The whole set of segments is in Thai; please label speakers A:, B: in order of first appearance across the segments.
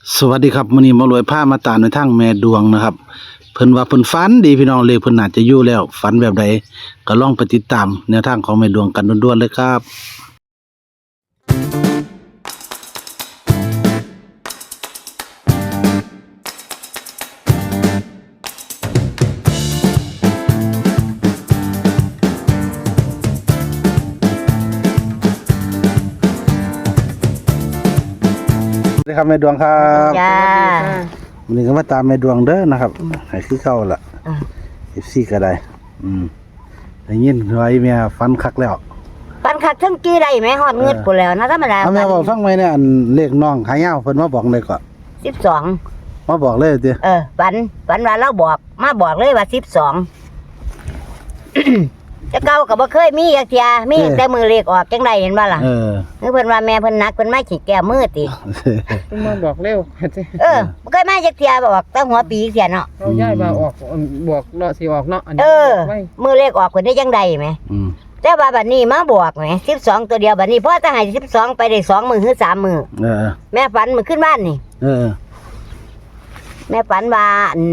A: สวัสดีครับมื้อนี้มารวยผ้ามาตามในทางแม่ดวงนะครับเพิ่นว่าเพิ่นฝันดีพี่น้องเลขเพิ่นน่าจะอยู่แล้วฝันแบบใดก็ลองไปติดตามแนวทางของแม่ดวงกันด่วนๆเลยครับสวัสดีครับแม่ดวงครับ
B: จ้า
A: วันนี้ก็มาตามแม่ดวงเด้อนะครับให้คือเก่าล่ะ FC ก็ได้ได้ยินว่าอีแม่ฝันคักแล้ว
B: ปันคักทั้งกี้ได้ไหมฮอดเงือดกูแล้วนะธรรมดา
A: เอาแม่บอกฟังไหมเนี่ยอันเลขน้องหายาวเพิ่นมาบอกเลยก็
B: 12
A: มาบอกเลยติ
B: ปันว่าเราบอกมาบอกเลยว่า12 จะเก่าก็บ่เคยมีจักเที่ยมีแต่มือเลขออกจังได๋เห็นบ่ล่ะคือเพิ่นว่าแม่เพิ่นนักเพิ่นมาขี้แก้มือติ
C: เพิ่นมาบอกเร็ว
B: บ่เคยมาจักเที่ยบอกตั้งหัวปีเสียเนาะ
C: เราย้ายมาออกบอกเนาะสิออกเนาะอัน
B: เอ
C: นี้
B: อ
C: ไว้
B: มือเลขออกเพิ่นได้จังได๋แหมแต่ว่าบัดนี้มาบอกแหม12ตัวเดียวบัดนี้พอจะให้12ไปได้2มื้อหรือ3มื้อแม่ฝันมื้อขึ้นบ้านนี่แม่ฝันว่า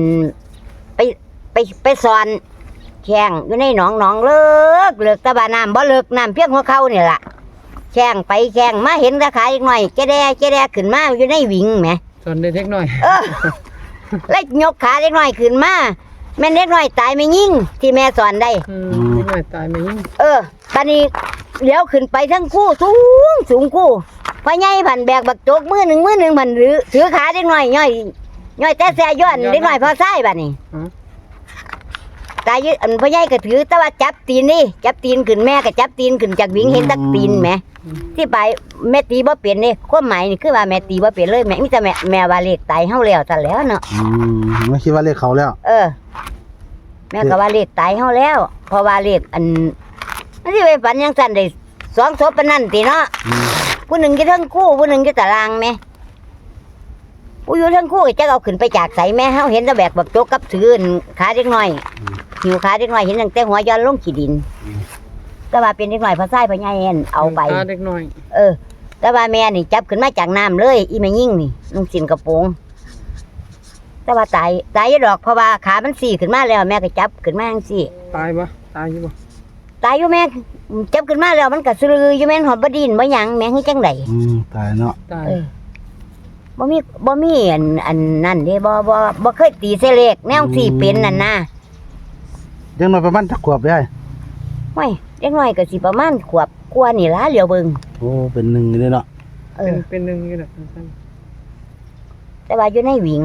B: ไปสอนแข่งอยู่ในหนองเลิกตะบาน้ำบ่เลิกน้ำเพียงหัวเข่านี่ล่ะแข่งไปแข่งมาเห็นราคาอีกหน่อยแกแดขึ้นมาอยู่ในวิ่งแหม
C: จนได้เล็กน้อย
B: แล้วยกขาเล็กน้อยขึ้นมาแม่เล็กน้อยตายไม่ยิ่งที่แม่สอนได้
C: เล็กน้อยตายไหมยิ่ง
B: ตอนนี้เลี้ยวขึ้นไปทั้งคู่สูงคู่พ่อใหญ่ผันแบกบักโจกมือหนึ่งผันหรือถือขาเล็กน้อยย่อยแต่แซ่ย้อนเล็กน้อยพอซ้ายบัดนี้ตายยืดพ่อใหญ่ก็ถือแต่ว่าจับตีนนี่จับตีนขึ้นแม่ก็จับตีนขึ้นจากวิ่งเห็นตักตีนแม่ที่ไปแม่ตีบ่เปลี่ยนนี่ความหมายนี่คือว่าแม่ตีบ่เปลี่ยนเลยแม่มีแต่แม่ว่าเลขตายเฮาแล้วแต่แล้วเนาะ
A: ไม่คิดว่าเลขเขาแล้ว
B: แม่ก็ว่าเลขตายเฮาแล้วเพราะว่าเลขอันที่ไปฝันยังสั่นได้2ศพปานนั้นติเนาะผู้หนึ่งอยู่เทิงคู่ผู้หนึ่งอยู่ตารางแม่ผู้อยู่เทิงคู่ก็จะเอาขึ้นไปจากไสแม่เฮาเห็นแต่แบกบักโจกกับถือขาเล็กน้อยหิวขาเล็กน้อยเห็นตั้งแต่หัวย้อนลงขี้ดินแต่ว่าเป็นเล็กน้อยพอซ้ายพอใหญ่เอาไป
C: เล็กน้อย
B: แต่ว่าแม่นี่จับขึ้นมาจากน้ำเลยอีแม่ยิ่งนี่นุ่งสินกระโปรงแต่ว่าตายดอกเพราะว่าขามันสี่ขึ้นมาแล้วแม่ก็จับขึ้นมาจังซี่
C: ตายบ่ตายอยู่บ่
B: ตายอยู่แม่จับขึ้นมาแล้วมันก็สลืออยู่แม่นหอมบ่ดินบ่หยังแม่คือจังได๋
A: ตายเนาะ
C: ตาย
B: บ่มีอันนั่นเด้บ่เคยตีเสเลขแนวสี่เป็นนั่นนะ
A: ยังน้อยประมาณจักขวบได้
B: โอ้ยเด็กน้อยก็สิประมาณขวบกว่านี่ล่ะเหลียวเบิ่ง
A: โอ้เป็น1นี่เนาะ
C: เป็น1อยู่น่ะ
B: แต่ว่าอยู่ในหวิง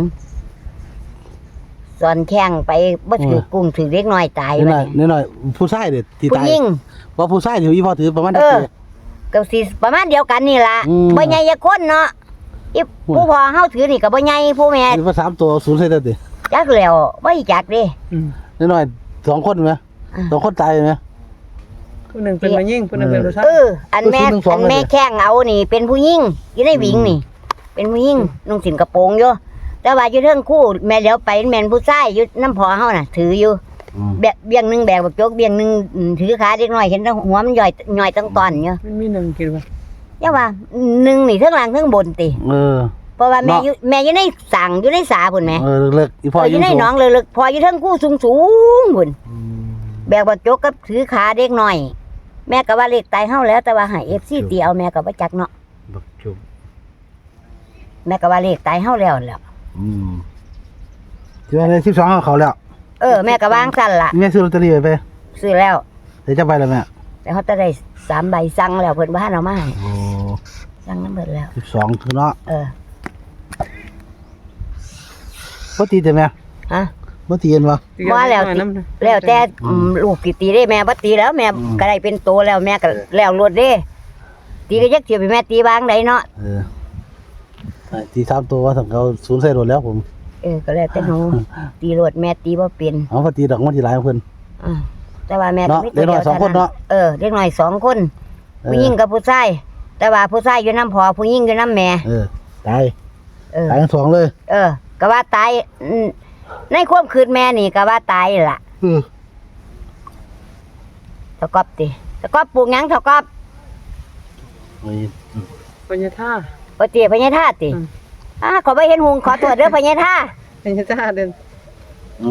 B: สอนแข่งไปบ่ถือกุ้งถือเด็กน้อยตาย
A: ไปน้อยผู้ชายเด้ที่ตาย
B: ผู้หญิง
A: ว่าผู้ชายที่อีพ่อถือประมาณจักปี
B: ก็สิประมาณเดียวกันนี่ล่ะบ่ใหญ่จักคนเนาะอีผู้พ่อเฮาถือนี่ก็บ่ใหญ่ผู้แม่
A: ถือว่า3ตัว0ใส่เด้อติ
B: จักแล้วบ่อีจักเด้
A: น้อย2คนมั้ย2คนตายมั้ย
C: ผู้นึงเป็นมายิ่งผู้นึงเป็นผู้ชาย
B: อันแม่แข้งเอานี่เป็นผู้หญิงอยู่ในหวิงนี่เป็นผู้หญิงนุ่งสินกระโปรงอยู่แต่ว่าอยู่เทิงคู่แม่เดี๋ยวไปแม่นผู้ชายอยู่น้ำพ่อเฮาน่ะถืออยู่เบี้ยงนึงแบกบักโจกเบี้ยงนึงถือขาเด็กน้อยเห็นหัวมันย่อยตั้งตอนอยู่
C: มันมี1คิดว่า
B: อย่าว่า1นี่เทิงล่างเทิงบนติเพราะว่าแม่อยู่ในสั่งอยู่ในสาพุ่นแม่
A: เลิกอีพ่อ
B: อยู่ในหนองเลิกพ่ออยู่เทิงคู่สูงพุ่นแบกบักโจกกับถือขาเด็กน้อยแม่ก็ว่าเลขตายเฮาแล้วแต่ว่าให้ FC ตีเอาแม่ก็บ่จักเนาะ
A: บักโจก
B: แม่ก็ว่าเลขตายเฮาแล้ว
A: ที่ว่าใน12เขาแล้ว
B: แม่ก็วางสั่นล่ะ
A: แม่ซื้อลอตเตอรี่ไป
B: ซื้อแล้ว
A: ได้จักใบแล้วแม่
B: แต่เขาจะได้3ใบสั่งแล้วเพิ่นบ่ทันเอามาให้สั่งนำเบิดแล้ว
A: 12คือเนาะบ่ตีแต่แม่บ่ตีกันบ่
B: แล้วแต่ลูกสิตีได้แม่บ่ตีแล้วแม่ก็ได้เป็นโตแล้วแม่ก็แล้วรวดเด้ตีก็ยักเทียบให้แม่ตีวางได้เนาะ
A: ตี3ตัวว่าสำเขา0ใส่รถแล้วผม
B: ก็แล้วแต่หนูตีรวดแม่ตีบ่เป็น
A: พอตีดอกมันสิหลายเพิ่น
B: แต่ว่าแม่ก็มีตัว
A: เดียว2คนเนาะ
B: เด็กน้อย2คนผู้หญิงกับผู้ชายแต่ว่าผู้ชายอยู่นำพ่อผู้หญิงอยู่นำแม่
A: ตายตายทั้งสองเลย
B: ก็ว่าตายในความคืนแม่นี่ก็ว่าตายล่ะตะกอบติตะกอบปลูกหยังตะกอบ
C: พญาท่า
B: บ่ติพญาท่าติขอบ่เห็นหุงขอโทษเด้อพญาท่า
C: เป็นจ้าเดิน
A: โอ้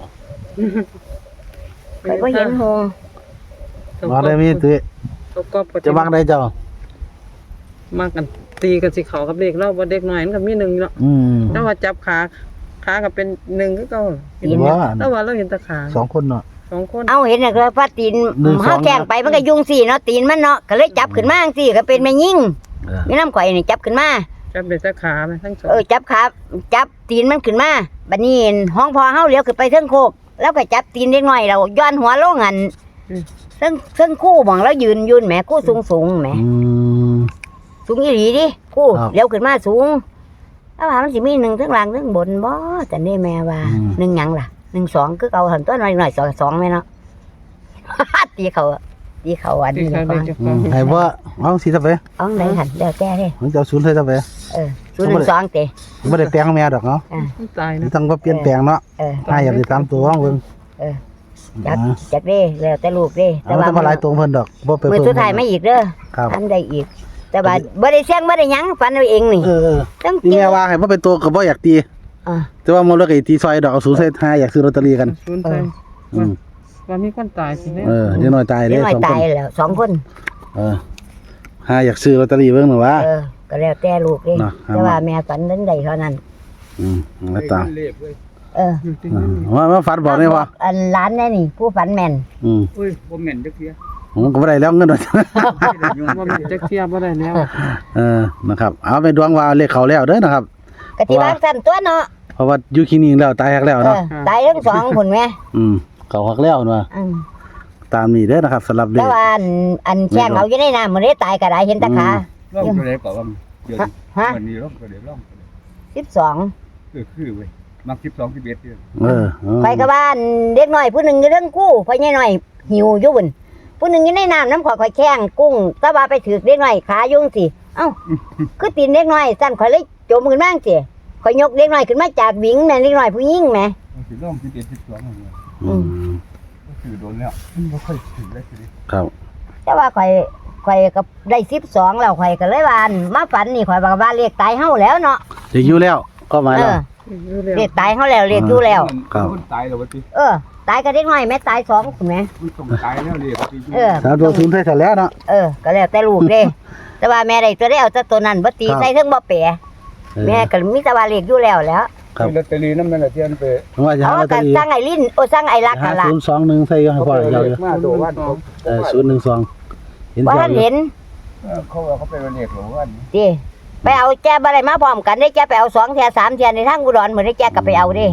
B: ข่อยบ่เห็นหุง
A: มาได้มีตุ้ย
C: ตัวก็ป
A: จะวางได้เจ้า
C: มากันตีกันสิเขากับเด็กเราบ่เด็กน้อยมันก็มีหนึ่งเนาะ ถ้าว่าจับขาก็เป็นหนึ่งก็เก่า
A: ว่า
C: ถ้าว่าเราเห็นแตะขา
A: สองคนเนาะ
C: สองคน
B: เอาเห็นน่ะก็ว่าตีน
A: หนึ่งสอง
B: เฮาแกล้งไปมันก็ยุงสิเนาะตีนมันเนาะก็เลยจับขึ้นมาจังซี่ก็เป็นแม่ยิ่ง
A: เออ
B: มีน้ำข่อยนี่จับขึ้นมา
C: จับเด็กแตะขาไหมทั้งสอง
B: จับขาจับตีนมันขึ้นมาบัดนี้ห้องพอเฮาเลี้ยวขึ้นไปเทิงโคกแล้วก็จับตีนเด็กน้อยเราย้อนหัวลงหันเทิงคู่หม่องแล้วยืนแหมคู่สูงแหม
A: อืม
B: สูงอีหลีดิคู่
A: ครับ
B: เลี้ยวขึ้นมาสูงแล้วว่ามันสิมี1ทั้งล่างทั้งบนบ่แต่นี่แม่ว่า1หยังล่ะ1 2คือเก่าหันตัวน้อยๆ2แม่เนาะ ตีเขาอัน
C: ที่
B: นี้
C: เขา
B: ก่อ
C: เด็ก
B: น
C: จะ
A: อื
C: ฟัง
A: มให้ว่าเอาสิซะไป
B: เอาไหนหันแล้วแต่เด้
A: มันจะเอาศูนย์ให้ซะไป
B: 012เตะ
A: บ่ได้แปลงแม่ดอกเนาะ
C: ตายนะ
A: ต้องบ่เปลี่ยนแปลงเนาะถ้าอยากสิตามตัวของเพิ่น
B: จักเด้แล้วแต่ลูกเด้
A: เอาแต่มาหลายตัวเพิ่นดอกบ่ไป
B: มือ
A: เพิ่ม
B: สุดท้ายไม่อีกเด้อ
A: ครับ
B: อันใดอีก แต่ว่าบ่ได้เสี่ยงบ่ได้หยังฝันเอาเองนี่
A: เออ
B: ต้อง
A: ที่แม่ว่าให้บ่เป็นตัวก็บ่อยากตี
B: อ่า
A: แต่ว่ามันเลิกไอ้ตีซอยดอกเอาศูนย์ใส่ห้าอยากซื้อลอตเตอรี่กัน
C: ศูนย์ไป
A: อืม
C: ว่ามีคนตายสิเนี่ย
A: เดี๋ยวน้อยตาย
B: เด็
A: เด้
B: กน้อย
A: สองค
B: ตาย
A: น
B: แล้ว2คน
A: ห้าอยากซื้อลอตเตอรี่เบิ่งหน่อยว่า
B: ก็แล้วแต่ลูกเด้
A: เนาะ
B: แต่ว่าแม่ฝันนั้นใดเท่านั้น
A: แล้วตาม
B: เออ
C: อยู่ที่
A: มาฝันบอกได้ว่า
B: อันร้านแน่นี่ ผู้ฝันแม่น
C: อุ้ยบ่แม่นจักเทีย
A: ผมก็บ่ได้แล้วเงิน
C: บ่แม่นจักเทียบ่ได้แล้ว
A: นะครับเอาไปดวงว่าเลขเขาแล้วเด้อนะครับ
B: ก็ที่บ้านสั่นตัวเนาะ
A: เพราะว่าอยู่คลินิกแล้วตายหักแล้วเนาะ
B: ตายทั้งสองพุ่นแม่
A: เขาหักแล้วเนาะ
B: อืม
A: ตามนี้เด้อนะครับสำหรับเล
B: แต่
A: ข
B: ว่าอันแช่งเอาอยู่ในน้ำมื้อนี้ตายก็ได้เห็นแตะขา
D: ร่องตัวไหนก่อนว่าเดี๋ยว
B: ฮะ
D: วันนี้ร่องตัวไหนร่องตัวไหน
B: 12
D: คือเว้ยมัก12 11เนี่ย
B: ไปกับบ้านเด็กน้อยผู้หนึงอยู่เรื่องกู้พ่อใหญ่น้อยหิวอยู่บุ่นผู้หนึงอยู่ในน้ำน้ำข่อยแข้งกุ้งแตะว่าไปถือเด็กน้อยขายุ่งสิเอ้าคือตีนเด็กน้อยสั่นข่อยเลยจมขึ้นมาจังซี่ข่อยยกเด็กน้อยขึ้นมาจากหวิงแม่เด็กน้อยผู้หญิงแม่
D: มันคือร่อง11 12เนี่ย ก็คือโดนแล้วไม่ค่อยถึงได้ทีนี้
A: ครับ
B: แต่ว่าข่อยก็ได้12แล้วข่อยก็เลยว่าอั่นมาฝันนี่ข่อยบอกว่าเลขตายเฮาแล้วเนาะ
A: เด็กอยู่แล้วก็หมายแล้ว
B: เลขตายเฮาแล้วเลขอยู่แล้ว
A: ครับ
D: มันตายแล้ววะที
B: ตายก็เด็กน้อยแม่ตาย2คุณแม่
D: มันต้องตายแล้วเลยที
A: สามตัวศูนย์ใส่เสร็จแล้วเนาะ
B: ก็แล้วแต่ลูกเด้ แต่ว่าแม่ได้ตัวได้เอาแต่ตัวนั้นบ่ตีใส่เทิงบ่แปะแม่ก็มีแต่ว่าเลขอยู่แล้ว
A: ครับ
D: ลอตเตอรี่นั่นมันละเทียนไป
A: ว่าจะหาลอตเตอ
B: ก็
A: รี่
B: สร้างไอ้ลิ้นสร้างไอ้รัก
A: หา
B: กันล่ะ
A: 021ใส่ให้พ่อเราอยู่
D: มาตัววัน
A: 012เห็น
B: ว่า
A: จั
B: ท่าง นเห็น
D: เขาไปวันเอกหลวงวัน
B: ติไปเอาแจ้บ่ได้มาพร้อมกันได้แจ้ไปเอา2เที่ย3เที่ยในทางอุดรมื้อได้แจ้ก็ไปเอาเด้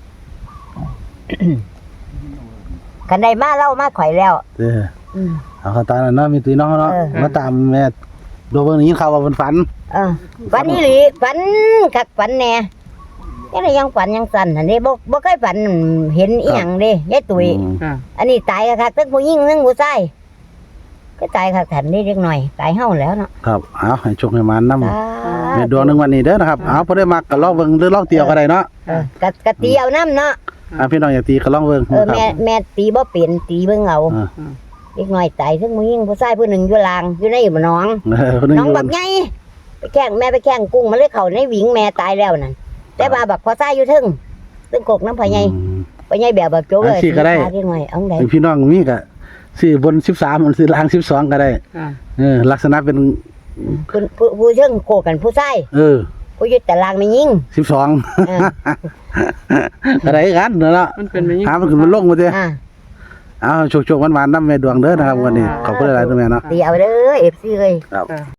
B: คันได้มาเล่ามาข่อยแล้ว
A: เอาเขาตามนั่นเนาะมีตุ้ยน้องเนาะมาตามแม่ดูเบิ่งนี้ข่าวว่าเพิ่นฝัน
B: ฝันนี่หลีฝันคักฝันแน่ยังฝันยังสั่นอันนี้บ่เคยฝันเห็นอีหยังเด้ยายตุ้ยอันนี้ตายคักทั้งผู้หญิงทั้งผู้ชายก็ตายคักทันนี่เล็กน้อยตายเฮาแล้วเนาะ
A: ครับเอาให้โชคให้มานำในดวงหนึงวันนี้เด้อนะครับเอาบ่ได้มักก็ลองเบิ่งหรือลองเตียวก็ได้เนาะ
B: กะตีเอาน้ำเนาะ
A: พี่น้องอยากตีก็ลองเบิ่งครับ
B: แม่ตีบ่เป็นตีเบิ่งเอาเล็กน้อยตายทั้งผู้หญิงผู้ชายผู้หนึ่งอยู่ลางอยู่ในหนอง
A: คนนึง
B: น้องบักใหญ่ไปแข่งแม่ไปแข่งกุ้งมันเลยเข้าในหวิงแม่ตายแล้วนั่นแต่ว่าบักพ่อชายอยู่ทึ่งซึ่งกกน้ำพ่อใหญ่พ่อใหญ่แบบบักโจกเลยเล็กน้อยเอาได้
A: พี่น้องมีก็ซื้อบน13มันซื้อล่าง12ก็ได้ลักษณะเป็น
B: ผู้เชิงโกกันผู้ชายผู้อยู่แต่ลางไม่ยิง
A: 12ก็ได้กันเนาะ
C: มันเป็นไม่ยิ่ง
A: หามันขึ้นมันลงมาเด้อเอาโชคๆหวานๆนำแม่ดวงเด้อนะครับวันนี้ขอบคุณหลายๆแม่เนาะ
B: ตีเอาเด้อ FC เอ้ย
A: ครับ